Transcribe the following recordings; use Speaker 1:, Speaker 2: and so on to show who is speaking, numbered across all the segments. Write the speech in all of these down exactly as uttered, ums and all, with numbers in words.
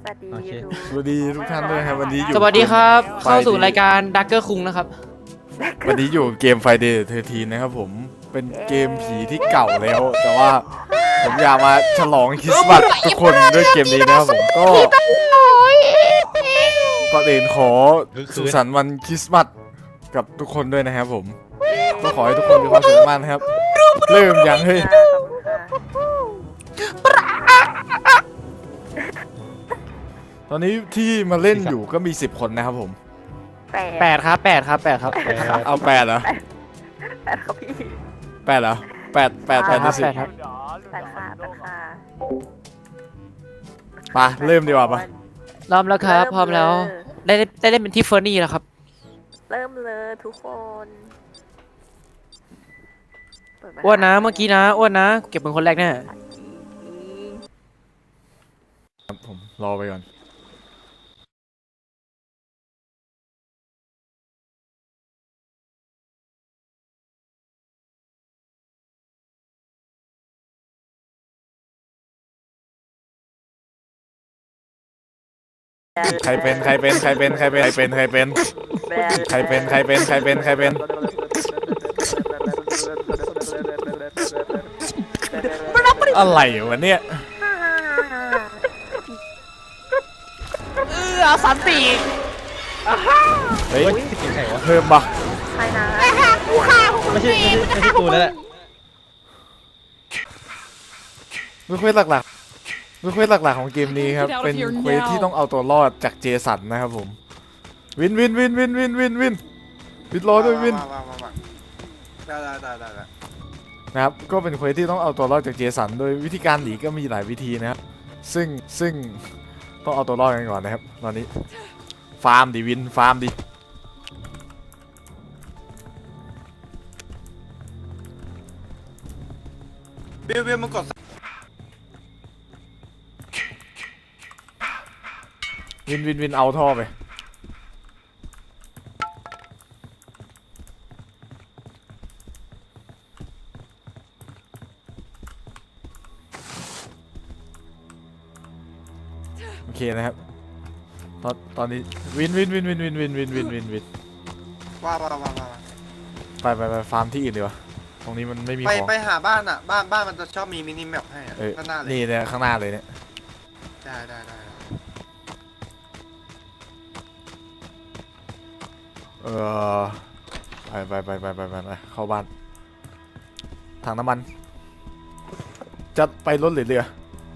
Speaker 1: วัสดี
Speaker 2: โอเค
Speaker 1: ยู
Speaker 3: สวัสดีทุกท่านด้วยครับวันนี้อยู่
Speaker 4: สวัสดีครับ
Speaker 3: ไฟ
Speaker 4: เข้าสู่รายการดักเกอร์คุงนะครับ
Speaker 3: วันนี้อยู่เกม Friday เทอร์ทีนะครับผมเป็นเกมผีที่เก่าแล้ว แต่ว่าผมอยากมาฉลองคริสต์มาสทุกคนด้วยเกมนี้นะครับผมก็ก่อนอื่นขอสุขสันต์วันคริสต์มาสกับทุกคนด้วยนะครับผมก็ขอให้ทุกคนมีความสุขมากนะครับเริ่มยังเฮ้ยตอนนี้ที่มาเล่นอยู่ก็มีสิบคนนะครับผม
Speaker 4: แปดครับแปดครับแปดครับ
Speaker 3: เอาแปดเหรอ
Speaker 1: แปดครับพี่
Speaker 3: แปดเหรอแปดแปดแปดในสิบ
Speaker 4: แปดครับ
Speaker 1: แปดค่ะแปดค่ะ
Speaker 3: ไปเริ่มดีกว่าปะ
Speaker 4: พร้อมแล้วครับ พร้อมแล้ว ได้ได้เล่นเป็นที่เฟอร์นี่แล้วครับ
Speaker 1: เริ่มเลยทุกคนเปิดมา
Speaker 4: อ้วนนะเมื่อกี้นะอ้วนนะเก็บเป็นคนแรกแน่
Speaker 3: ครับผมรอไปก่อนใครเป็นใครเป็นใครเป็นใครเป็นใครเป็นใครเป็นใครเป็นใครเป็นใครเป็นใครเป็นอะไรวะเนี่ย
Speaker 4: เออสันติ
Speaker 3: เฮ้ย
Speaker 2: เสียงใครวะ
Speaker 3: เพิ่มปะ
Speaker 1: ใครนะ
Speaker 2: ไม่ใช่ไม่ใช่ไม่ใช่กูนั่นแหละ
Speaker 3: เควสหลักๆเควสหลักๆของเกมนี้ครับเป็นเควสที่ต้องเอาตัวรอดจากเจสันนะครับผมวินวินวินวินวินวินวินวินรอด้วยวิน
Speaker 5: ได้ได้ได้ได้ได้
Speaker 3: นะครับก็เป็นเควสที่ต้องเอาตัวรอดจากเจสันโดยวิธีการหนีก็มีหลายวิธีนะครับซึ่งซึ่งต้องเอาตัวรอดกันก่อนนะครับตอนนี้ฟาร์มดิวินฟาร์มดิ
Speaker 5: บิวบิวมึงกด
Speaker 3: วินวินวินเอาท่อไปโอเคนะครับตอนตอนนี้วินวินวินวินวินวินวินวินวินวิน
Speaker 5: ว่าว่าว่าว่า
Speaker 3: ไปไปไปฟาร์มที่อื่นดีกว่าตรงนี้มันไม่มี
Speaker 5: ไป
Speaker 3: ของ
Speaker 5: ไปหาบ้านอ่ะบ้านบ้านมันจะชอบมีมินิแมปให้อ่ะ
Speaker 3: เออ
Speaker 5: ข้างหน้าเลย
Speaker 3: นี่เนี่ยข้างหน้าเลยเนี่ย
Speaker 5: ได้ได้ได้
Speaker 3: เออไปไปไปไปไปไปไปเข้าบ้านถังน้ำมันจะไปรถหรือเรือ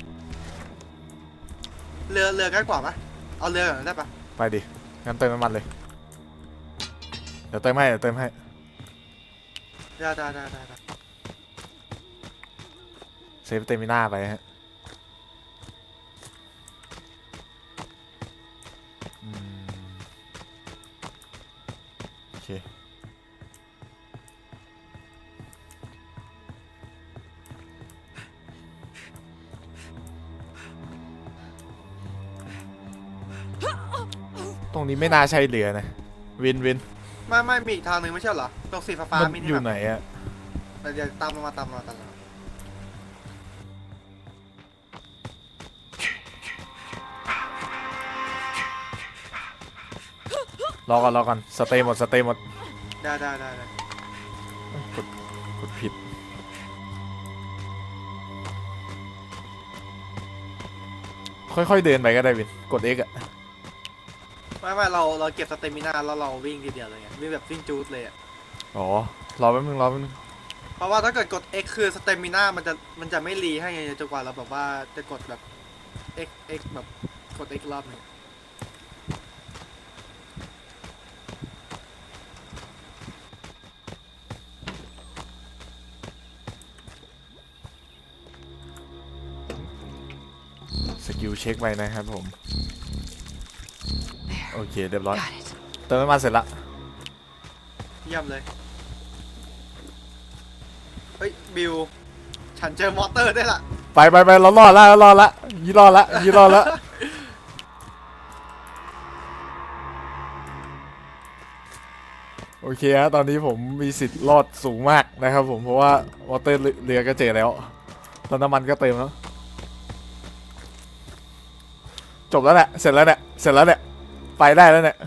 Speaker 5: เรือเรือใกล้กว่าปะเอาเรือก่อนได้ปะ
Speaker 3: ไปดิงั้นเติมน้ำมันเลยเดี๋ยวเติมให้เดี๋ยวเติมให้
Speaker 5: ได้ได้ได้ได้ได้
Speaker 3: เซฟเตมิน่าไปฮะอืมโอเคตรงนี้ไม่น่าใช่เรือนะวินวิน
Speaker 5: ไม่ไม่มีอีกทางหนึ่งไม่ใช่เหรอตรงสีฟ้าฟ้า
Speaker 3: มัน
Speaker 5: มินิ
Speaker 3: อยู่
Speaker 5: แมป
Speaker 3: ไหนอะ
Speaker 5: เดี๋ยวตามมาตามมาตามมาร
Speaker 3: อก่อนรอก่อนสเตย์หมดสเตย์หมด
Speaker 5: ได้ได้ได้ได้
Speaker 3: กดกดผิดค่อยๆเดินไปก็ได้วินกด X อะ
Speaker 5: ไม่ไม่เราเราเก็บสเตมินาแล้วเราวิ่งทีเดียวเลยไงวิ่งแบบวิ่งจูดเลยอ่ะ
Speaker 3: อ๋อรอแป๊บนึงรอแป๊บนึง
Speaker 5: เพราะว่าถ้าเกิดกด X คือสเตมินามันจะมันจะไม่รีให้ไงจนกว่าเราแบบว่าจะกดแบบ X X แบบกด X รอบหนึง
Speaker 3: สกิลเช็คไปนะครับผมโอเคเรียบร้อยเติมน้ำมันเสร็จละ
Speaker 5: เยี่ยมเลย เฮ้ย บิว ฉันเจอมอเตอร์ได้ละ
Speaker 3: ไปไปไปเรารอดละเรารอดละยี่รอดละยี่รอดละโอเคฮะตอนนี้ผมมีสิทธิ์รอดสูงมากนะครับผมเพราะว่าวอเตอร์เรือก็เจอแล้วแล้วน้ำมันก็เต็มแล้วจบแล้วเนี่ยเสร็จแล้วเนี่ยเสร็จแล้วเนี่ยไปได้แล้วเนี่ย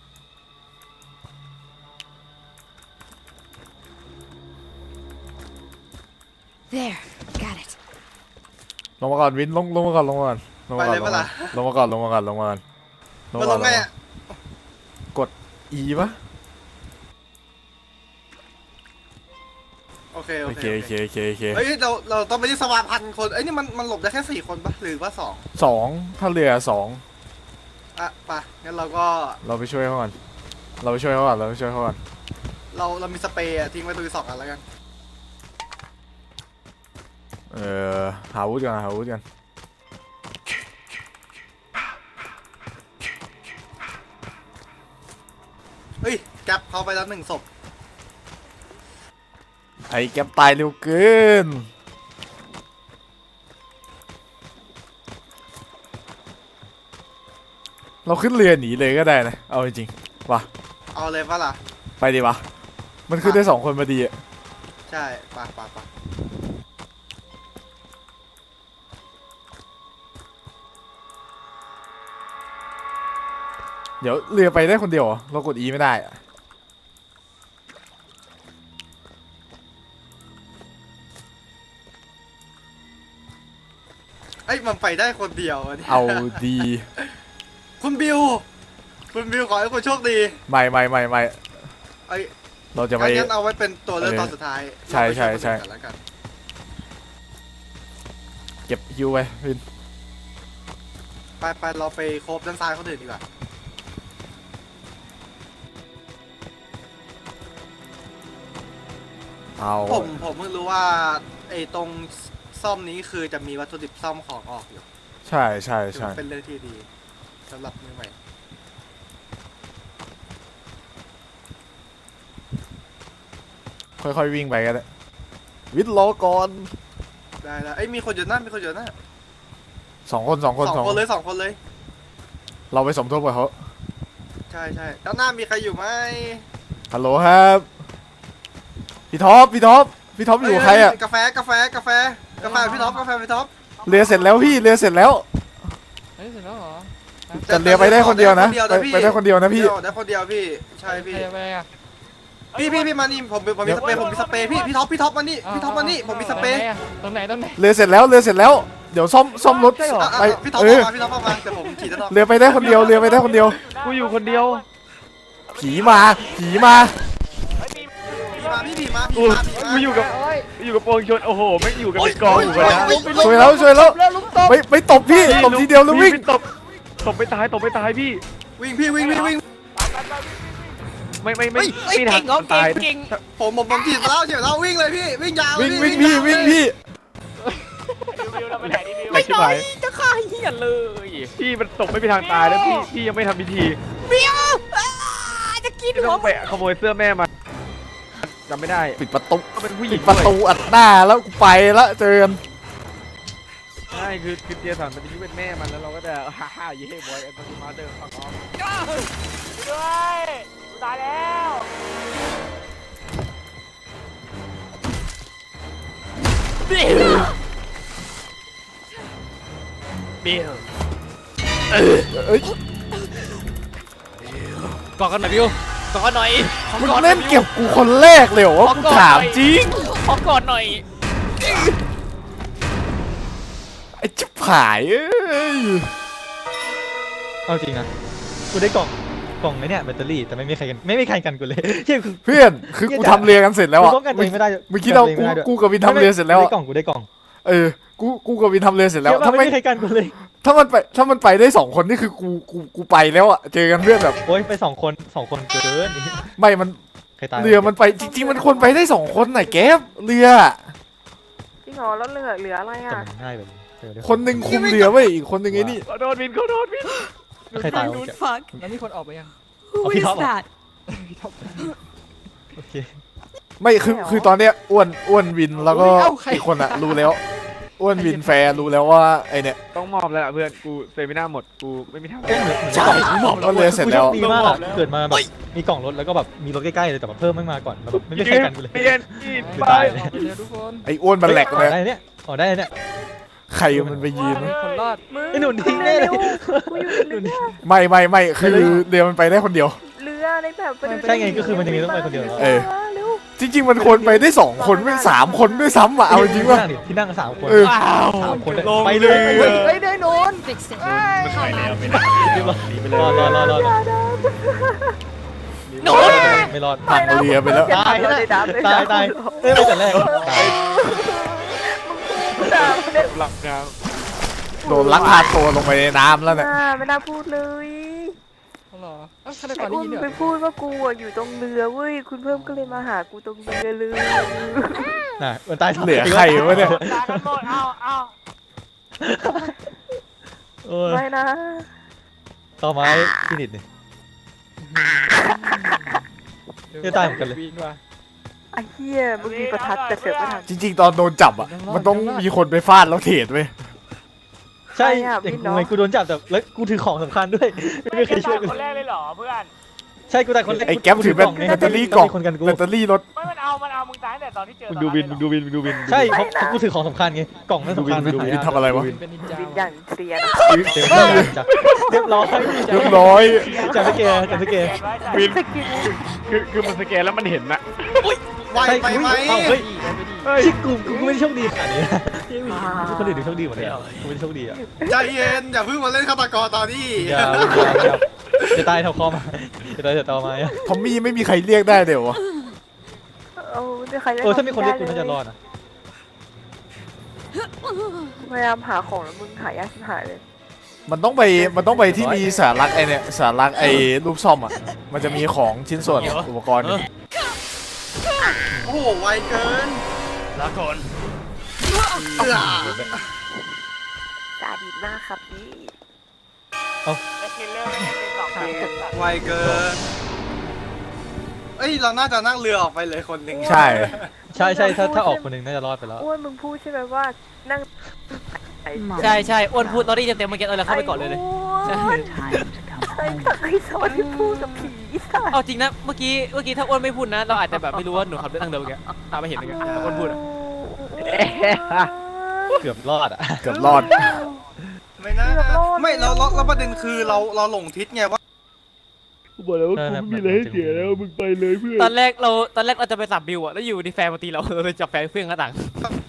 Speaker 6: There, got it.
Speaker 3: ลงมาก่อนวินลงลงมาก่อนลงมาก่อนลง
Speaker 5: ไป
Speaker 3: มาก่อ
Speaker 5: เล
Speaker 3: น
Speaker 5: ยปะล่ะ
Speaker 3: ลงมาก่อนลงมาก่อนลงมาก่อนลง
Speaker 5: มัน
Speaker 3: มา
Speaker 5: ล
Speaker 3: ก่อน
Speaker 5: งไงอะ
Speaker 3: กด E ปะ
Speaker 5: โอเค
Speaker 3: โอ
Speaker 5: โอ
Speaker 3: เค
Speaker 5: เค
Speaker 3: โอเคโอเคโอเค
Speaker 5: เฮ้ยเราเราต้องไปที่สวาพันคนเอ้ยนี่มันมันหลบได้แค่สี่คนปะหรือว่าสอง
Speaker 3: สองถ้าเรือสอง
Speaker 5: อ่ะไปงั้นเราก็
Speaker 3: เราไปช่วยเขาก่อนเราไปช่วยเขาก่อนเราไปช่วยเขาก่อน
Speaker 5: เราเรามีสเปรย์อะทิ้งไว้ตรงนี้สองอันแล้วกัน
Speaker 3: เออหาอาวุธกันหาอาวุธกัน
Speaker 5: เฮ้ยแก๊ปเขาไปแล้วหนึ่งศพ
Speaker 3: ไอ้แก๊ปตายเร็วเกินเราขึ้นเรือหนีเลยก็ได้นะเอาจริงๆว่ะ
Speaker 5: เอาเลยปะล่ะ
Speaker 3: ไปดีวะมันขึ้นได้สองคนพอดีอะ
Speaker 5: ใช่ไปไปไป
Speaker 3: เดี๋ยวเรือไปได้คนเดียวเหรอเรากด E ไม่ได้อะ
Speaker 5: เอ้ยมันไปได้คนเดียวะนี่ย
Speaker 3: เอาดี
Speaker 5: คุณบิวคุณบิวขอให้คุณโชคดี
Speaker 3: ไม่ไม่ไม่ไม่
Speaker 5: ไอ้ย
Speaker 3: เราจะไป
Speaker 5: งั้นเอาไว้เป็นตัวเลือกตอนสุดท้าย
Speaker 3: ใช่ใช่ใช่
Speaker 5: เราไปวยคนอื่นกันแล้วกัน
Speaker 3: เก็บฮิวไปวิน
Speaker 5: ไปไปเราไปโคบด้านซ้ายคนอื่นดีกว่า
Speaker 3: เอา
Speaker 5: ผมผมเพิ่งรู้ว่าไอ้ตรงซ่อมนี้คือจะมีวัตถุดิบซ่อมของออกอยู่
Speaker 3: ใช่ใช่
Speaker 5: ถือ
Speaker 3: ใช่
Speaker 5: ว่าเป็นเรื่องที่ดีสำหรับมือใหม่
Speaker 3: ค่อยๆวิ่งไปกันเลยวิทย์รอก่อน
Speaker 5: ได้แล้วเอ้ยมีคนอยู่หน้ามีคนอยู่หน้า
Speaker 3: สองคนสองคน
Speaker 5: สอง
Speaker 3: สอง
Speaker 5: คนเลยสองคนเลย
Speaker 3: เราไปสมทบกับเขา
Speaker 5: ใช่ใช่ด้านหน้ามีใครอยู่ไหม
Speaker 3: ฮัลโหลครับพี่ท็อปพี่ท็อปพี่ท็อปอยู่กับใครอะ
Speaker 5: เกาแฟกาแฟกาแฟกาแฟพี่ท็อปกาแฟพี่ท็อป
Speaker 3: เรือเสร็จแล้วพี่เรือเสร็จแล้ว
Speaker 4: เฮ้ยเสร็จแล้วเหรอ
Speaker 3: แต่เรือไปได้คนเดียวนะไปไปได้คนเดียวนะพี่
Speaker 5: เดียวได้คนเดียวพี่ใช่พี่
Speaker 4: ใครไปอ่ะ
Speaker 5: พี่พี่พี่มานี่ผมผมมีสเปรย์ผมมีสเปรย์พี่พี่ท็อปพี่ท็อปมานี่พี่ท็อปมานี่ผมมีสเปรย์
Speaker 4: ตรงไหนตรงไหน
Speaker 3: เรือเสร็จแล้วเรือเสร็จแล้วเดี๋ยวซ่อมซ่อมรถ
Speaker 4: ใช่เหรอ
Speaker 5: อ่ะ
Speaker 3: ไป
Speaker 5: อ่ะพี่ท็อป
Speaker 3: เอ
Speaker 5: อ
Speaker 3: อ
Speaker 5: อกมาพี่ท็อปออกมาแต่ผมฉีดด้านนอก
Speaker 3: เรือไปได้คนเดียวเรือไปได้คนเดียว
Speaker 2: กูอยู่คนเดียว
Speaker 3: ผีมาผีมา
Speaker 5: พี่มาพี่ผีมา
Speaker 2: กู
Speaker 5: พี่มาพี่มา
Speaker 2: กูอยู่กับกูอยู่กับปวงชนโอ้โหไม่งอยู่กันเป็นกองอยู่กันนะ
Speaker 3: ช่วยแล้วช่วยแล้วไปไปตบพี่ตบทีเดียวแล้ววิ่ง
Speaker 2: ตบตบไปตายตบไปตายพี่
Speaker 5: วิ่งพี่วิ่งวิ่งวิ่ง
Speaker 2: ไม่ไม่ไม่ไม่ทันตาย
Speaker 5: ผมผมผมฉีดแล้วฉีดแล้ววิ่งเลยพี่วิ่งยาวเลย
Speaker 3: วิ่งวิ่งพี่วิ่งพี่
Speaker 2: ไม่ใช่ไหม
Speaker 4: จะฆ่าเหี้ยเลย
Speaker 2: พี่มันตกไม่ไปทางตายแล้วพี่พี่ยังไม่ทำพิธี
Speaker 4: จะกิน
Speaker 2: พี่ต้องไปขโมยเสื้อแม่มาจำไม่ได้
Speaker 3: ปิดประตู
Speaker 2: ก็เป็นผู้หญิ
Speaker 3: ปิ
Speaker 2: ง
Speaker 3: ดประตูอัดหน้าแล้วกูไปแล้วเจอกัน
Speaker 2: ใช่คือคือเจียสันมันจะคิดเป็นแม่มันแล้วเราก็จะฮ่าฮ่าเย่บอยแอนด์มาเดอร์ฟังออฟ
Speaker 4: ด้วยตายแล้ว บิลบิล
Speaker 3: เอ้ย
Speaker 4: กอดกันหน่อยบิวกอดกันหน่อย
Speaker 3: มึงเล่นเก็บกูคนแรกเลยเหรอวะกูถามจริง
Speaker 4: ขอกอดหน่อย
Speaker 3: ไอ้ชิบหายเอ้ย
Speaker 2: เอาจริงนะกูได้กล่องกล่องไอ้เนี่ยแบตเตอรี่แต่ไม่มีใครกันไม่มีใครกันกูเลยเฮ้ยคือ
Speaker 3: เพื่อนคือกูทำเรือกันเสร็จแล้ว
Speaker 2: กู
Speaker 3: อ่ะ
Speaker 2: ป้องกันตัวเองไม่ได้
Speaker 3: เมื่อกี้เรากูกูกับวินทำเรือเสร็จแล้ว
Speaker 2: ได้
Speaker 3: อะ
Speaker 2: กล่องกูได้กล่อง
Speaker 3: เออกูกูกับวินทำเรือเสร็จแล้ว
Speaker 2: ถ้า
Speaker 3: ถ้า
Speaker 2: ไม่
Speaker 3: ไม่
Speaker 2: มีใครกันกูเลย
Speaker 3: ถ้ามันไปถ้ามันไปได้สองคนนี่คือกูกูกูไปแล้วอ่ะเจอกันเพื่อนแบบ
Speaker 2: โอ้ยไปสองคนสองคนเกิน
Speaker 3: ไม่มัน
Speaker 2: ใครตาย
Speaker 3: เรือมันไปจริงๆมันควรไปได้สองคนไหนะแก๊ปเรือ
Speaker 1: พี่หอแล้วเหลือเหลืออะไร
Speaker 2: แต่
Speaker 1: อ่ะ
Speaker 2: มันง่ายแบบเจอได้
Speaker 3: คนหนึ่งคุมเรือไว้ยอีกคนหนึ่งไอ้นี่
Speaker 2: ขอโดนวินขอโดนวินใครตายวะ
Speaker 6: Fuck.
Speaker 4: แล้วมีคนออกไปยัง
Speaker 6: Who
Speaker 2: Oh,
Speaker 6: is
Speaker 2: Pete Hop.
Speaker 6: that?
Speaker 2: โอเค
Speaker 3: ไม่คือคือตอนเนี้ยอ้วนอ้วนวินแล้วก็
Speaker 4: เอ้าใคร
Speaker 3: อีกคนอะรู้แล้วอ้วนวินแฟร์รู้แล้วว่าไอเนี่ย
Speaker 2: ต้องมอบแล้วล่ะเพื่อนกูเซมิน่าหมดกูไม่มีทาง
Speaker 3: ใช่ก็เรือเสร็จแล้ว
Speaker 2: ดีมากอะเกิดมาแบบมีกล่องรถแล้วก็แบบมีรถใกล้ๆเลยแต่แบบเพิ่มไม่มาก่อนแล้วแบบไม่มีใครกันกูเลยเปลี่ยนอีก
Speaker 4: ไป
Speaker 2: ไป
Speaker 4: ออกไปเลยทุกคน
Speaker 3: ไออ้วนมันแหลก
Speaker 2: อ
Speaker 3: เล
Speaker 2: อย กได้เนี่ยออกได้เนี่ย
Speaker 3: ใครมันไปยืน
Speaker 4: คนรอด
Speaker 1: มึง
Speaker 2: ไอ้หนุนทิ้งแน่เลย
Speaker 1: กูอยู่ในเรือ
Speaker 3: ไม่ไม่ไม่คือเรือมันไปได้คนเดียว
Speaker 1: เรือในแบบไปดู
Speaker 2: ใช่ไงก็คือมันยังมีต้องไปคนเดียวเหรอ
Speaker 3: เออ
Speaker 1: เร็ว
Speaker 3: จริง ๆ มันควรไปได้สองคนไม่สามคนด้วยซ้ำอ่ะเอาจริงว่า
Speaker 2: ที่นั่ดิที่นั่งกันสามคน
Speaker 3: เออ
Speaker 2: สามคนเลยไปเลย
Speaker 1: เฮ้ยเฮ้ยได้โนน
Speaker 6: Fix it.
Speaker 7: ไม่ไปแล้วไม่ได้
Speaker 2: รีบรอรอรอรอรอ
Speaker 4: โนน
Speaker 2: ไม่รอด
Speaker 3: พังเรือไปแล้ว
Speaker 2: ตายนะตายตายเอ้ยไปแต่แรกตาย
Speaker 1: ด่าเนี่ย
Speaker 7: หลับครับ
Speaker 3: โดนลักพาตัวลงไปในน้ำแล้วเนี่ย
Speaker 1: น่าไม่น่าพูดเลย
Speaker 4: เหรอเอ้าฆาตก
Speaker 1: ไอ้
Speaker 4: รได้
Speaker 1: อุ้
Speaker 4: ยิ
Speaker 1: ม
Speaker 4: นด้วย
Speaker 1: ไป
Speaker 4: เหรอ
Speaker 1: พูดว่ากูอะอยู่ตรงเรือเว้ยคุณเพิ่มก็เลยมาหากูตรงเรือเลย
Speaker 2: น่ะมันตาย
Speaker 3: เหลือใครวะเนี่ย
Speaker 2: เออ
Speaker 1: ไม่นะ
Speaker 2: ต่อไม้พี่นิดนี่จะตายเหมือนกันเลย
Speaker 4: วีนว่ะ
Speaker 1: ไอ้เหี้ยมึงมีประทัดแต่เสือกไม่ทัน
Speaker 3: จริง ๆ ตอนโดนจับอ่ะมันต้องมีคนไปฟาดแล้วเทรดเว้ย
Speaker 2: ใช่อย่างกูไงกูโดนจับแต่แล้วกูถือของสำคัญด้วยไม่มีใครช่วยกู
Speaker 8: คนแรกเลยเหรอเพื่อน
Speaker 2: ใช่กูตายคนแรก
Speaker 3: ไอ้แก๊ปถือแบตแบตเตอรี่กล่อง
Speaker 2: คนกันกู
Speaker 3: แบตเตอรี่รถ
Speaker 8: ไม่มันเอา มันเอามึงตายตั้งแต่ตอนที่เจอ
Speaker 7: มึง
Speaker 8: ตอน
Speaker 7: ดู
Speaker 8: นั้น
Speaker 7: วิน
Speaker 8: เลย
Speaker 7: มึง
Speaker 8: เหรอ
Speaker 7: ดูวินมึงดูวิน
Speaker 2: ใช่เพราะเพราะกูถือของสำคัญไงกล่องนั่นสำคัญ
Speaker 3: ดูวินดูวินทำอะไรวะ
Speaker 4: เป็นนินจา
Speaker 1: วิญ
Speaker 4: ว่ะ
Speaker 1: ญาณเซียน
Speaker 2: เต็มที่จ้ะเรียบร้อย
Speaker 3: เรียบร้อย
Speaker 2: จับสเกลจับสเกล
Speaker 7: วินคือคือมันสแกนแล้วมันเห็นนะ
Speaker 5: ไวไปไหม
Speaker 2: เอ้าเฮ้ย
Speaker 7: เฮ้ย
Speaker 2: ชิกูกูไม่ได้โชคดีขนาดนี้นะคนอื่นถึงโชคดีหมดเลยอ่ะกูไม่ได้โชคดีอ่ะ
Speaker 5: ใจเย็นอย่าเพิ่งมาเล่นฆาตกรตอนนี้
Speaker 2: อย่าอย่าจะตายเท่าคอมาจะตายเท่าตอมาอ่ะ
Speaker 3: ทอมมี่ไม่มีใครเรียกได้เดี๋ยววะ
Speaker 1: เอาใครได้
Speaker 2: เออถ้ามีคนเรียกกูน่าจะรอดนะ
Speaker 1: พยายามหาของแล้วมึงหายากชิบหายเลย
Speaker 3: มันต้องไปมันต้องไปที่มีสารักไอเนี่ยสารักไอรูปซ่อมอ่ะมันจะมีของชิ้นส่วนอุปกรณ์
Speaker 5: โอ้โหไวเกิน
Speaker 7: ละคน
Speaker 5: เอื้อ
Speaker 1: สาดีมากครับพี่
Speaker 8: เอ็กซ์คิลเลอร์ไม่ได้เป็นสองเกมสัตว์
Speaker 5: ไวเกิน เอ้ยเราน่าจะนั่งเรือออกไปเลยคนหนึ่ง
Speaker 3: ใช่
Speaker 2: ใช่ใช่ถ้าถ้าออกคนหนึ่งน่าจะรอดไปแล้ว
Speaker 1: อ้วนมึงพูดใช่ไหมว่านั่งไอ้
Speaker 4: ใช่ใช่อ้วนพูดตอนนี้เต็มๆเมื่อกี้เออแล้วเข้าไปก่อนเลยเลย
Speaker 1: ไอ้อ้วนไอ้ตักไอ้สอนที่พูดกับผีสัตว์
Speaker 4: เอาจริงนะเมื่อกี้เมื่อกี้ถ้าอ้วนไม่พูดนะเราอาจจะแบบไม่รู้ว่าหนูขับรถทางเดิมเมื่อกี้ตามไม่เห็นเมื่อกี้แต่อ้วนพูดอะ
Speaker 2: เกือบรอดอ่ะ
Speaker 3: เกือบรอด
Speaker 5: ไม่นะไม่เราเราเราประเด็นคือเราเราหลงทิศไงว่า
Speaker 7: กูบอกแล้วว่ากูไม่มีอะไรให้เสียแล้วมึงไปเลยเพื่อน
Speaker 4: ตอนแรกเราตอนแรกเราจะไปสับบิวอะแล้วอยู่ดีแฟนมาตีเราเราเลยจับแฟนเพื่อนกระต่าง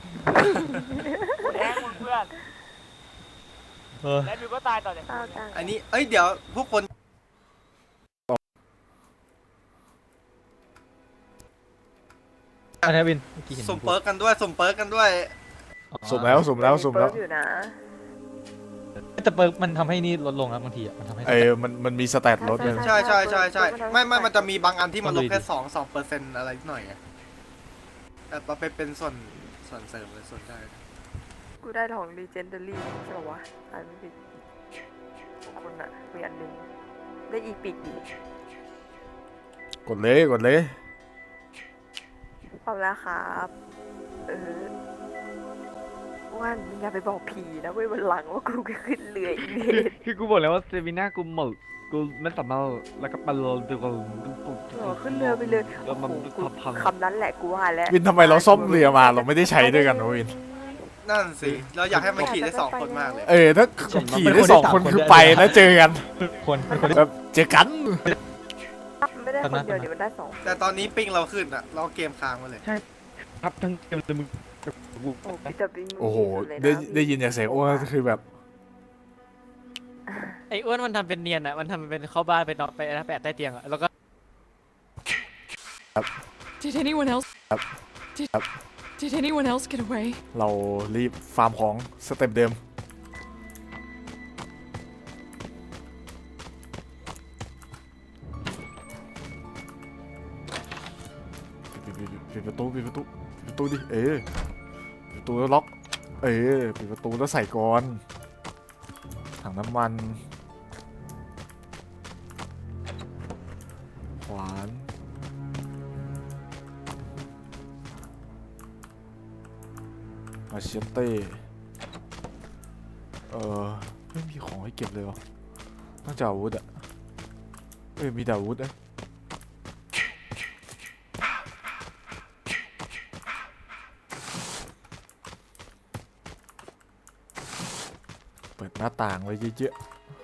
Speaker 8: แดงมึงเพื่อน
Speaker 2: เออ
Speaker 8: และบิวก็ตายต่อจาก
Speaker 1: เอาจัง
Speaker 5: อันนี้เอ้ยเดี๋ยวพวกคน
Speaker 2: อันนี้วินเมื่อกี้เห็น
Speaker 5: สมเปิร์กกันด้วยสมเปิร์กกันด้วย
Speaker 3: สุ่มแล้วสุ่มแล้วสุ่มแล้ว
Speaker 1: เปิดอยู่นะ
Speaker 2: แต่เปิร์กมันทำให้นี่ลดลงครับบางทีอ่ะมันทำให้
Speaker 3: เออมันมันมีสแตทรถเลย
Speaker 5: ใช่ใช่ใช่ใช่ไม่ไม่มันจะมีบางอันที่มันลดแค่สองสองเปอร์เซ็นต์อะไรนิดหน่อยไงแต่เราไปเป็นส่วนส่วนเสริมเลยส่วนได้
Speaker 1: กูได้ของ legendary ใช่ป่าวะอ่านไม่ผิดคนอะมีอันหนึงได้อีปิกอีก
Speaker 3: กดเลยกดเลย
Speaker 1: พร้อมแล้วครับเออว่านมึงอย่าไปบอกผีนะเว้ยวันหลังว่ากูก็ขึ้นเรืออีเวน
Speaker 7: คือกูบอกแล้วว่าเซมิน่ากูหมดกูไม่สามารถแล้วก็ปลาโลนตัวกู
Speaker 1: เออขึ้นเรือไปเลย
Speaker 7: แล้วมัน
Speaker 1: โอ้โหกู
Speaker 7: พัง
Speaker 1: คำนั้นแหละกูว่าแล้ว
Speaker 3: วินทำไมเราซ่อมเรือมาเราไม่ได้ใช้ด้วยกันวะวิน
Speaker 5: นั่นสิเราอยากให้มันขี่ได้สองคนมากเลย
Speaker 3: เออถ้าขี่ได้สองคนคือไปแล้วเจอกัน
Speaker 2: คนเป็นคนที่
Speaker 3: แบบเจอกัน
Speaker 1: ไม่ได้คนเดียวเดี๋ยวมันได้สอง
Speaker 5: แต่ตอนนี้ปิงเราขึ้นอะเราเกมค้างมาเลย
Speaker 7: ครับทั้งเกมเลยมึงกู
Speaker 1: โอ้พี่แต่บิง
Speaker 3: โอ้โห
Speaker 1: สุเลยนะ
Speaker 3: ได้ได้ยินจากเสียงโอ้คือแบบ
Speaker 4: ไอ้อ้วนมันทำเป็นเนียนอะมันทำเป็นเข้าบ้านไปนอนไปแปะใต้เตียงอะแล้วก็
Speaker 6: Did anyone else?
Speaker 3: Yep.
Speaker 6: Did,
Speaker 3: Yep.
Speaker 6: did anyone else get away?
Speaker 3: เรารีบฟาร์มของสเต็ปเดิมปิดปิดปิดปิดประตูปิดประตูปิดประตูดิเออปิดประตูแล้วล็อกเออปิดประตูแล้วใส่ก่อนถังน้ำมันขวานมาเชเต้เออไม่มีของให้เก็บเลยวะนอกจากอาวุธอะเอ้ยมีแต่อาวุธนะเปิดหน้าต่างไว้เยอะ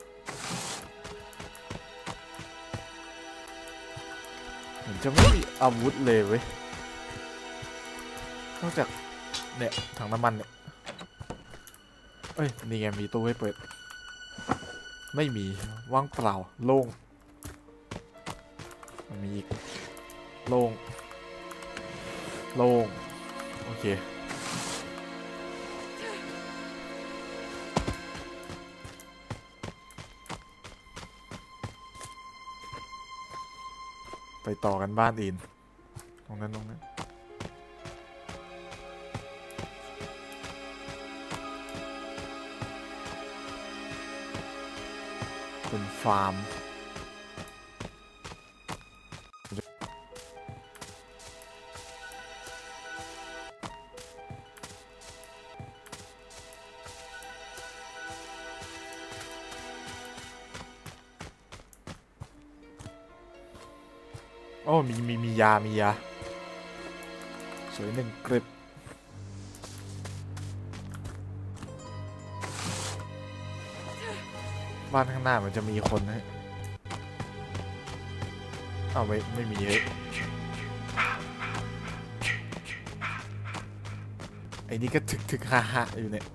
Speaker 3: ๆเหมือนจะไม่มีอาวุธเลยเว้ยนอกจากเนี่ยถังน้ำมันเนี่ยเอ้ยนี่ไงมีตู้ให้เปิดไม่มีว่างเปล่าโล่งมันมีอีกโล่งโล่งโอเคไปต่อกันบ้านอื่นตรงนั้นตรงนั้นเป็นฟาร์มโอ้มีมีมียามียาสวยหนึ่งกริบบ้านข้างหน้ามันจะมีคนนะอ้าวไม่ไม่มีเลยไอ้นี่ก็ถึกถึกฮ่าฮ่าอยู่เนี่ย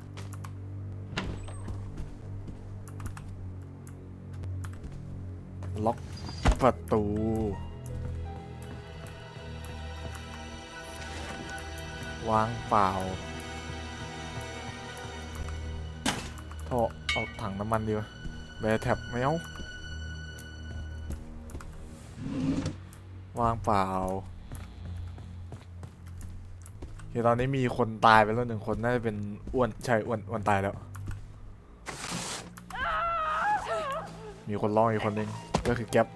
Speaker 3: ล็อกประตูวางเปล่าท่อเอาถังน้ำมันดีกว่าแบร์แท็บไม่เอาวางเปล่าโอเคตอนนี้มีคนตายไปแล้วหนึ่งคนน่าจะเป็นอ้วนใช่อ้วนอ้วนตายแล้วมีคนร้องอีกคนนึงก็คือแก๊ป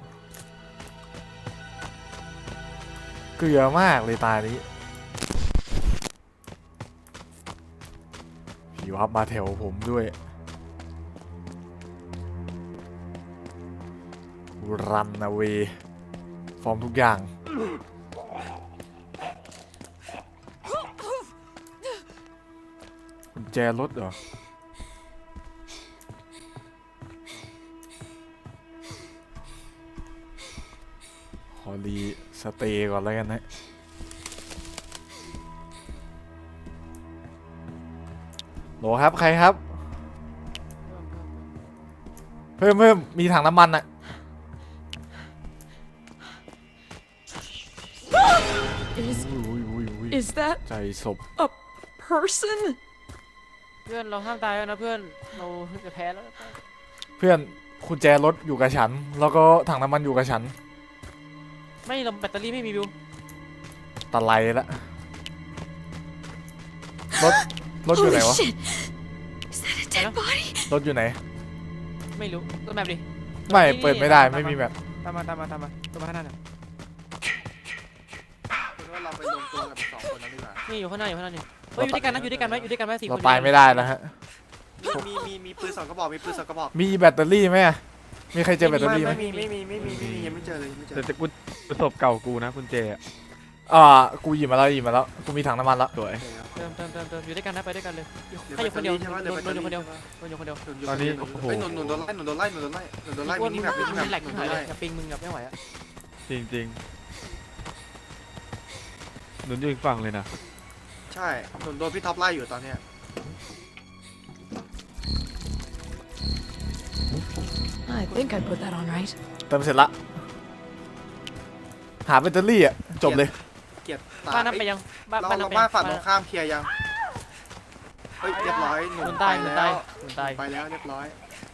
Speaker 3: เกลือมากเลยตายนี้ผีวับมาแถวผมด้วยรันนะเวฟอร์มทุกอย่างกุญแจรถเหรอขอรีสเตย์ก่อนแล้วกันนะโหลครับใครครับเพิ่มเพิ่มมีถังน้ำมันอะ
Speaker 6: Is
Speaker 3: อุ้ยอุ้ยอุ้ย
Speaker 6: is that
Speaker 3: ใจศพ
Speaker 6: a person?
Speaker 4: เพื่อนเราห้ามตายแล้วนะเพื่อนเราจะแพ้แล้ว
Speaker 3: เพื่อนกุญแจรถอยู่กับฉันแล้วก็ถังน้ำมันอยู่กับฉัน
Speaker 4: ไม่เราแบตเตอรี่ไม่มีบิว
Speaker 3: ตะไลละรถรถอยู่ไหน
Speaker 6: Holy
Speaker 3: วะ
Speaker 6: shit! Is that a dead
Speaker 4: Hello?
Speaker 6: body?
Speaker 3: รถอยู่ไหน
Speaker 4: ไม่รู้ตัวแมปดิ
Speaker 3: ไม่
Speaker 4: นี่
Speaker 3: เปิดไม่ได้
Speaker 4: ตามมา
Speaker 3: ไม่มีแบบ
Speaker 4: ตามมาตามมาตามมาตัวมาข้างหน้าหน่อย
Speaker 5: คือว่าเราไปรวมตัวกับสองคนนั้นดีกว่า
Speaker 4: นี่อยู่ข้างหน้าอยู่ข้างหน้านี่เฮ้ยอยู่ด้วยกันนะอยู่ด้วยกันไหมอยู่ด้วยกันไหมสี่คน
Speaker 3: เราตายไม่ได้แล้วฮะ
Speaker 5: มีมีมีปืนสองกระบอกมีปืนสองกระบอก
Speaker 3: มีแบตเตอรี่ไหมอะมีใครเจอแบตเตอรี่ไหม
Speaker 5: ไม่มีไม่มีไม่มีไม่มียังไม่เจอเลยยังไม่เจอ
Speaker 7: แต่จะกูประสบเก่ากูนะคุณเจอะ
Speaker 3: อ่ากูหยิบมาแล้วหยิบมาแล้วกูมีถังน้ำมันแล้ว
Speaker 7: สวย
Speaker 4: เติมเติมเติมเติมอยู่ด้วยกันนะไปด้วยกันเลย
Speaker 5: เดี๋ยว
Speaker 4: ให้อยู่คนเดียว
Speaker 5: ใช่ไหม
Speaker 4: โด
Speaker 5: เดี๋ยวน
Speaker 4: โดนอยู่คนเดียว
Speaker 5: ใช่ไหม
Speaker 4: โดนอยู่คนเดียว
Speaker 7: ตอนนี้
Speaker 5: โอ้
Speaker 7: โอ้
Speaker 5: โห
Speaker 7: โห
Speaker 5: หนุนหนุนโดนไล่หนุนโดนไล่หนุนโดนไล่หนุนโดนไล่
Speaker 4: อ้วน
Speaker 5: มิ
Speaker 4: มึ
Speaker 5: นิ
Speaker 4: ง
Speaker 5: แมปมินิ
Speaker 4: มึ
Speaker 5: แม
Speaker 4: ง
Speaker 5: ป
Speaker 4: แหลก
Speaker 5: หนุ
Speaker 4: ที่
Speaker 5: น
Speaker 4: หายเล
Speaker 5: โดนไล่
Speaker 4: ยกับปิงมึงกับไม่ไหวอะ
Speaker 7: จริงๆหนุนอยู่อีกฝั่งเลยนะ
Speaker 5: ใช่หนุนโดนพี่ท็อปไล่อยู่ตอนเนี้ย
Speaker 6: I think I put that on right.
Speaker 3: เติมเสร็จละหาแบตเตอรี่อะจบเลย
Speaker 5: เกลียดตา
Speaker 4: บ้านนั้นไปยังบ้าน
Speaker 5: เรา
Speaker 4: บ้านนั้
Speaker 5: เรา
Speaker 4: นไป
Speaker 5: บ้านฝั่งตรงข้ามเคลียร์ยังเฮ้ยเรียบร้อยห
Speaker 4: ห
Speaker 5: นุ
Speaker 4: นุ
Speaker 5: น
Speaker 4: น
Speaker 5: ไป
Speaker 4: ตายหนุน
Speaker 5: แล้
Speaker 4: ตายว หนุนตาย
Speaker 5: ไปแล้วเรียบร้อย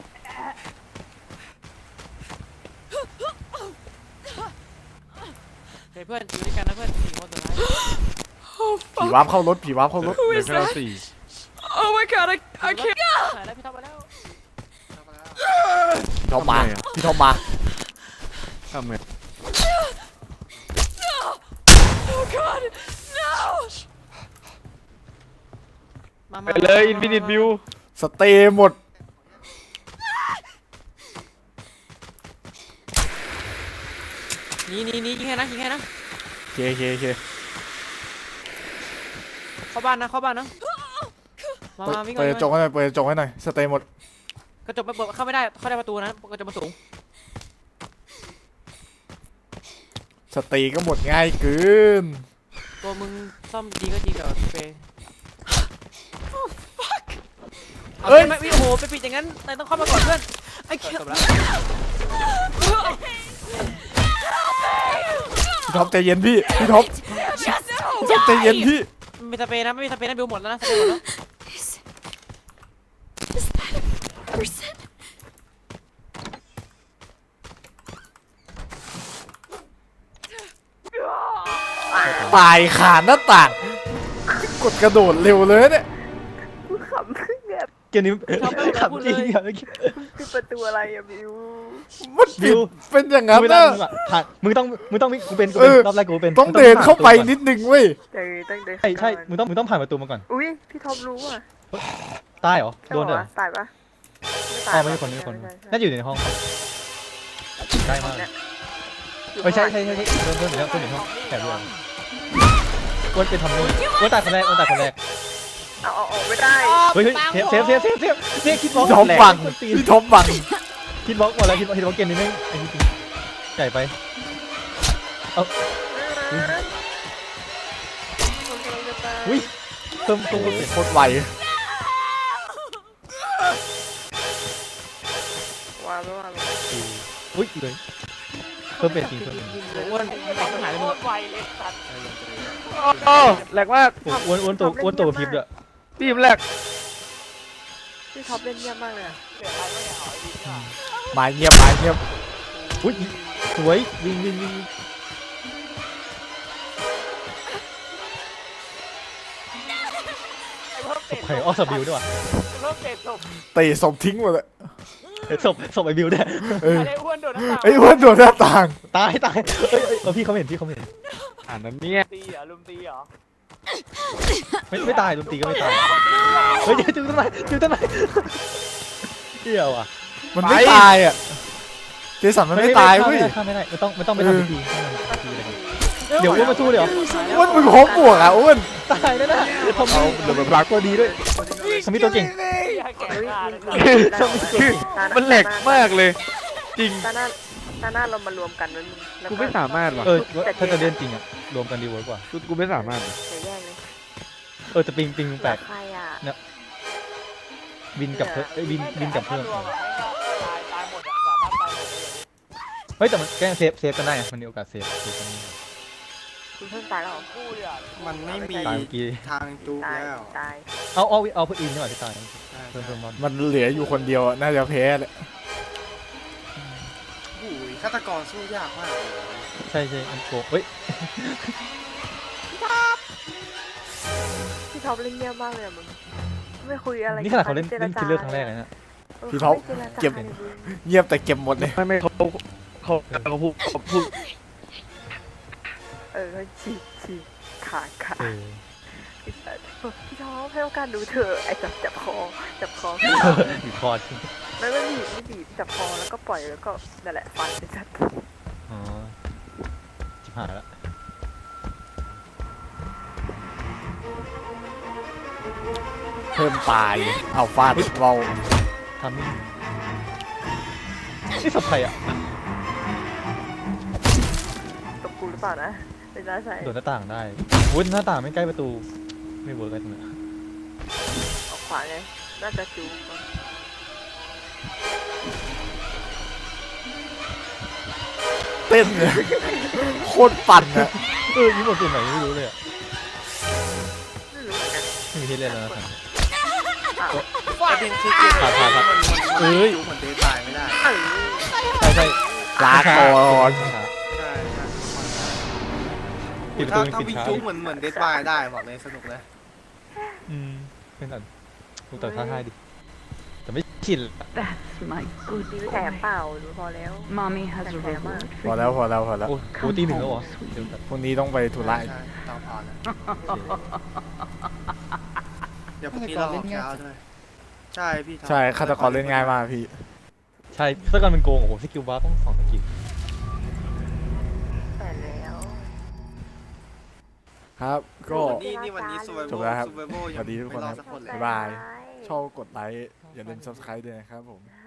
Speaker 4: เฮ้ยเพื่อนอยู่ด้วยกันนะเพื่อนสี่คนตัวท้าย
Speaker 6: Oh
Speaker 3: ผี
Speaker 6: fuck!
Speaker 3: วาร์ปเข้ารถผีวาร์ปเข้ารถ
Speaker 6: Who
Speaker 7: เหลือ
Speaker 6: is
Speaker 7: แค่เรา
Speaker 6: that?
Speaker 7: สี่
Speaker 6: Oh my god! I I can't.
Speaker 4: หายแล้วพี่ท็อปไปแล้ว
Speaker 3: พี่ท็อปมา
Speaker 7: ทำไมอะ
Speaker 3: พี่ท็อปมา
Speaker 7: ทำไง
Speaker 6: Oh god! No!
Speaker 4: มา
Speaker 7: ไปเลยอินฟินิตบิว
Speaker 3: สเตย์หมด
Speaker 4: นี่นี่นี่ยิงแค่นะยิงแค่นะ
Speaker 3: โอเคโอเคโอเค
Speaker 4: เข้าบ้านนะเข้าบ้านนะมา
Speaker 3: เปิด
Speaker 4: มาวิ่ง
Speaker 3: เปิดกระจกให้หน่อยเปิดกระจกให้หน่อยสเตย์หมด
Speaker 4: กระจกมันเปิดเข้าไม่ได้เข้าได้ประตูนะกระจกมันสูง
Speaker 3: สตรีก็หมดง่ายเกิน
Speaker 4: ตัวมึงซ่อมดีก็ดีกับเฟย์เอา
Speaker 3: เอ้ย
Speaker 4: ไม่ไม่โอ้โหไปปิดอย่างนั้นนายต้องเข้ามาก่อนเพื่อน
Speaker 6: I
Speaker 4: จ
Speaker 6: can't.
Speaker 4: บแล้ว
Speaker 3: พี่ท็อปใจเย็นพี่พี่ท็อปพี่ท็อปใจเย็นพี่
Speaker 4: ไม่มีสเปรย์นะไม่มีสเปรย์นะบิวหมดแล้วนะสเปรย์หมดแล้ว
Speaker 6: Is, is that a person?
Speaker 3: ตายขาหน้าต่าง กดกระโดดเร็วเลยเนี่ย
Speaker 1: กูขำแบบ
Speaker 2: เกมนี้ขำจริงอะ
Speaker 1: ปิดประตูอะไรอะบิว
Speaker 3: มัน
Speaker 2: บิ
Speaker 3: ปิด
Speaker 2: ว
Speaker 3: เป็นอย่างนั้น
Speaker 2: เวลา
Speaker 3: นะ
Speaker 2: มึงอะผ่านมึงต้องมึงต้องกูเป็นกู
Speaker 3: เอ
Speaker 2: เป็น
Speaker 3: อ
Speaker 2: รอบแรกกูเป็น
Speaker 3: ต้อง
Speaker 2: มึ
Speaker 3: เดินเข้าไป
Speaker 2: ผ่
Speaker 3: นิดนึงเว้ย
Speaker 1: เจอต้องเดิน
Speaker 2: ใช่ใช่
Speaker 1: ก่อน
Speaker 2: มึงต้องมึงต้องผ่านประตูมาก่อน
Speaker 1: อุ้ยพี่ท็อปรู้อ่ะ
Speaker 2: ตายเหรอ
Speaker 1: ใช่
Speaker 2: โดนด้วย
Speaker 1: ปะ
Speaker 2: เหรอ
Speaker 1: ตายปะ
Speaker 2: อ๋อไม่ใช่คนไม่ใช่คน
Speaker 1: ใช่
Speaker 2: น่าจะอยู่ในห้องใกล้มาก
Speaker 1: เนี่ย
Speaker 2: เอ้ยใช่ใช่ใช่ใช่เดินเดินอยู่แล้วเดินอยู่ในห้องแอบดูเอาอ้วนเป็นทำนู่นอ้วนตายคนแรกอ้วนตายคนแรก
Speaker 1: เอาเอาออกไม่ได้
Speaker 2: เฮ้ยเฮ้ยเซฟเซฟเซฟเซฟเซฟเนี่ยคิดบล็อก
Speaker 3: พี่ท็อป
Speaker 2: แหลก
Speaker 3: บัง
Speaker 2: คนตีน
Speaker 3: พี่ท็อปบัง
Speaker 2: คิดบล็อกหมดแล้วคิดบล็อกคิดบล็อกเกมนี้ไม่ไอ้นี่จริงใหญ่ไปเอาอุ้ยเพิ่มเพิ่มเพิ่มเสียง
Speaker 3: โคตรไว
Speaker 1: วางไม่วาง
Speaker 2: อุ้ยเลยเพิ่มเป็นจริงเพิ่มเป็น
Speaker 4: อ้วนไม่ต้องหายเลย
Speaker 8: โค
Speaker 4: มึง
Speaker 8: ตรไวเลยสัตว์
Speaker 7: โอ้แหลกมาก
Speaker 2: โอ้อ้วนอ้วนตัวอ้วนตัวพิบด้วย
Speaker 7: พี่มแหลก
Speaker 1: พี่ท็อปเล่นเยี่ยมมากเลยอะ
Speaker 8: เสียใครไม่เนี่ยเอาไอ้ดิค่ะ
Speaker 3: หมายเงียบหมายเงียบ
Speaker 2: อุ้ยสวยวิ่งวิ่งวิ่ง
Speaker 8: ไอ้เพิ่มเตะ
Speaker 2: ใครออกสบิวด้วยวะ
Speaker 8: เพิ่มเตะศพ
Speaker 3: เตะศพทิ้งหมดเลย
Speaker 2: ศพศพไอ้บิวด้วย
Speaker 3: เออ
Speaker 8: ไอ้อ้วนโดนน้ำตา
Speaker 3: ไอ้อ้วนโดดหน้าต่าง
Speaker 2: ตายตายเอ้ยเอ้ยเออพี่เขาไม่เห็นพี่เขาไม่เห็น
Speaker 7: อ่านนั้นเนี่ย
Speaker 8: ตีเหรอลุมตีเหรอ
Speaker 2: ไม่ไม่ตายดนตรีก็ไม่ตายเฮ้ยจุดต้นไม้จุดต้นไม้เดี่ยวอ่ะ
Speaker 3: มันไม่ตายอ่ะ เจสันมันไม่ตายเว้ย
Speaker 2: ข้ามไม่ได้ไม่ต้องไม่ต้องไปทำพิธีไม่ต้องทำพิธีอะไรกันเดี๋ยวอ้วนมาสู้เดี๋ยว
Speaker 3: อ้วนมึงโคบวกอ่ะอ้วน
Speaker 2: ตายแน่ๆทำเอาเดี๋ยวแบบรักตัวดีด้วยสมิธตัวเก่ง
Speaker 8: อย่าแก่งานเลย
Speaker 7: คือมันแหลกมากเลย จริง
Speaker 1: ตาหน้าตาหน้าเรามารวมกันมันแล้ว
Speaker 7: กูไม่สามารถว่ะ
Speaker 2: เออถ้าจะเล่นจริงอ่ะรวมกันดีเวิร์กกว่า
Speaker 7: กูกูไม่สามารถว่ะ
Speaker 1: เดี๋ยวแย่งเลย
Speaker 2: เออแต่ปิงปิงแปลก
Speaker 1: ใครอ่ะ
Speaker 2: บินกับเพื่อนเอ้ยบินบินกับเพื่อน
Speaker 8: รวมอะตายตายหมดอะสามารถตายหมดเลย
Speaker 2: เฮ้ยแต่มันแกล้งเซฟเซฟกันได้ไงมันมีโอกาสเซฟเซฟกันได้
Speaker 1: คุณเพิ่งตายแล้วเหรอ
Speaker 8: คู่เลยอะ
Speaker 5: มันไม่มี
Speaker 2: ตายเมื่อกี้
Speaker 5: ทางจูบ
Speaker 1: ตาย
Speaker 5: แล้ว
Speaker 1: ตาย
Speaker 2: เอาเอาเอาเพื่อนอินใช่ไหมที่ตายเพิ่มเพิ่มรอบ
Speaker 3: มันเหลืออยู่คนเดียวอะน่าจะแพ้แหละ
Speaker 5: โอ้ยฆาตกรสู้ยากมากเลย
Speaker 2: ใช่ใช่มันโกงเฮ้ย
Speaker 1: พี่ท็อปเล่นเยี่ยมมากเลยอะมึงไม่คุยอะไร
Speaker 2: นี่ขนาดเขาเล่นเล่นคิลเลอร์ครั้งแรกเลยนะ
Speaker 3: พี่ท็อปเก็บเงียบแต่เก็บหมดเลย
Speaker 7: ไม่ไม่เขาเขาเขาพูดเขาพูด
Speaker 1: เออฉีกฉีกขาดขาด
Speaker 2: เออ
Speaker 1: พี่ท็อปให้โอกาสดูเธอไอ้จับจับคอจับคอ
Speaker 2: บีบคอใช่ไหม
Speaker 1: ไม่ไม่บีบไม่บีบจับคอแล้วก็ปล่อยแล้วก็นั่นแหละฟันไปจัด
Speaker 2: อ๋อจิบหายละ
Speaker 3: เพิ่มตาย เอาฟาดเบา
Speaker 2: ทำนี่นี่สับใครอ่ะ
Speaker 1: ตบกูหรือเปล่านะเป็นน้าใส่
Speaker 2: โดดหน้าต่างได้วุ้นหน้าต่างไม่ใกล้ประตูไม่เวิร์กอะไรตรงนี้
Speaker 1: ออกขวาไงน่าจะจูบ
Speaker 3: เต้นเลยโคตรปั่นอะ
Speaker 2: เออยิ้มหมดตัวไหนไม่รู้เลยอ่ะ
Speaker 1: ไม่รู้เหมือนกัน
Speaker 2: ไม่มีที่เล่นแล้วนะครับ
Speaker 1: อ้าว
Speaker 5: ประเด็นคือเกม
Speaker 2: ผ่านผ่านผ่าน
Speaker 5: มันมัน
Speaker 2: เอ้ย
Speaker 5: จูบเหมือนเดทตายไม่ได้
Speaker 1: เออ
Speaker 2: ใช่ใช่
Speaker 3: ลาก่อน
Speaker 5: ใช่ใช่
Speaker 2: ปิดประตู
Speaker 5: ถ้า
Speaker 2: ปิด
Speaker 5: วิ่ง
Speaker 2: ช้า
Speaker 5: จูบเหมือนเหมือนเดทตายได้บอกเลยสนุกเลย
Speaker 2: อืมเป็นอันลูกต่อท้าทายดิแต่ไม่ชิน
Speaker 9: That's my good
Speaker 1: ดีไม่แถม
Speaker 9: boy.
Speaker 1: เปล่าดูพอแล้ว
Speaker 9: Mommy has a
Speaker 1: That's
Speaker 9: reward
Speaker 3: พ
Speaker 9: for
Speaker 3: อ
Speaker 9: you.
Speaker 3: แล้วพอแล้วพอแล้ว
Speaker 2: โอ้โหตีหนึ่งแล้วเหรอเดี๋ยวแบบ
Speaker 3: พรุ่งนี้ต้องไปธุระ
Speaker 5: ใช่ตามผ่านนะเดี๋ยวพรุ่งนี้เราออกเช้าด้วยใช่พี่ทำ
Speaker 3: ใช่ฆาตกรเล่นง่ายมากพี่
Speaker 2: ใช่ถ้าเกิดมันโกงโอ้โหสกิลบาร์ต้องสองสกิล
Speaker 1: แต่แล้ว
Speaker 3: ครับ ก็
Speaker 5: นี่นี่วันนี้ซูเวอร์
Speaker 3: จบแล้วครับ
Speaker 5: ซูเวอร์โบ
Speaker 3: สวัสดีทุกคน
Speaker 5: ไม่รอ
Speaker 3: ครับ
Speaker 5: ดสักคนเลย
Speaker 3: บ๊ายบาย ชอบกดไลค์ อย่าลืม subscribe ด้วยนะครับผม